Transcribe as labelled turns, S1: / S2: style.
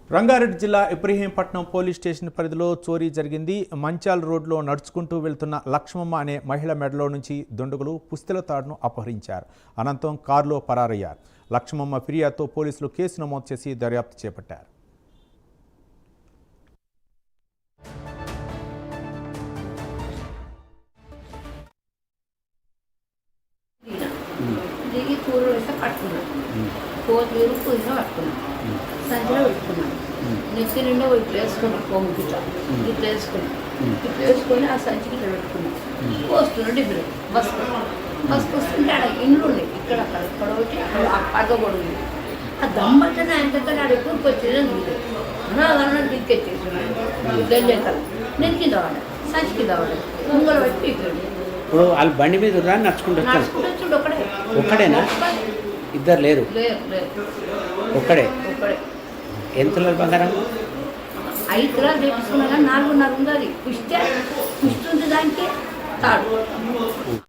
S1: రంగారెడ్డి జిల్లా Ibrahimpatnam police station పరిధిలో చోరీ జరిగింది. మంచాల్ రోడ్లో నడుచుకుంటూ వెళ్తున్న లక్ష్మమ్మ అనే మహిళ మెడలో నుంచి దుండగులు పుస్తెల తాడును అపహరించారు. అనంతరం కారులో పరారయ్యారు. లక్ష్మమ్మ ఫిర్యాదుతో పోలీసులు కేసు నమోదు చేసి దర్యాప్తు చేపట్టారు.
S2: సంచిలో పెట్టుకున్నాను. నెక్స్ట్ నిండా ఇట్లా వేసుకున్నాను. కొమ్ముకి ఇట్లా వేసుకొని ఆ సంచికి ఇట్లా పెట్టుకున్నాను. వస్తున్నాడు డిబ్బులు బస్కి వస్తుంటే ఆడ ఇండ్లు ఉన్నాయి. ఇక్కడ అక్కడ ఒకటి అడగబడి ఉంది. ఆ దమ్మట్టనే ఆయన దగ్గర ఆడ ఎక్కువ వచ్చేది అన్నా దిక్కెచ్చేసాడు. గంజెక్కలు నేను కింద వాడాను. సంచి కింద వాడాను. ముంగలు పెట్టి పీకాడు.
S3: ఇప్పుడు వాళ్ళు బండి మీద నడుచుకుంటూ
S2: చూడు
S3: ఒక్కడేనా? ఇద్దరు లేరు? ఒక్కడే. ఎంత బంగారం?
S2: 5 తులాలు తెప్పించుకున్నా కానీ 4.5 ఉంది. అది పుష్టి ఉంది దానికి తాడు.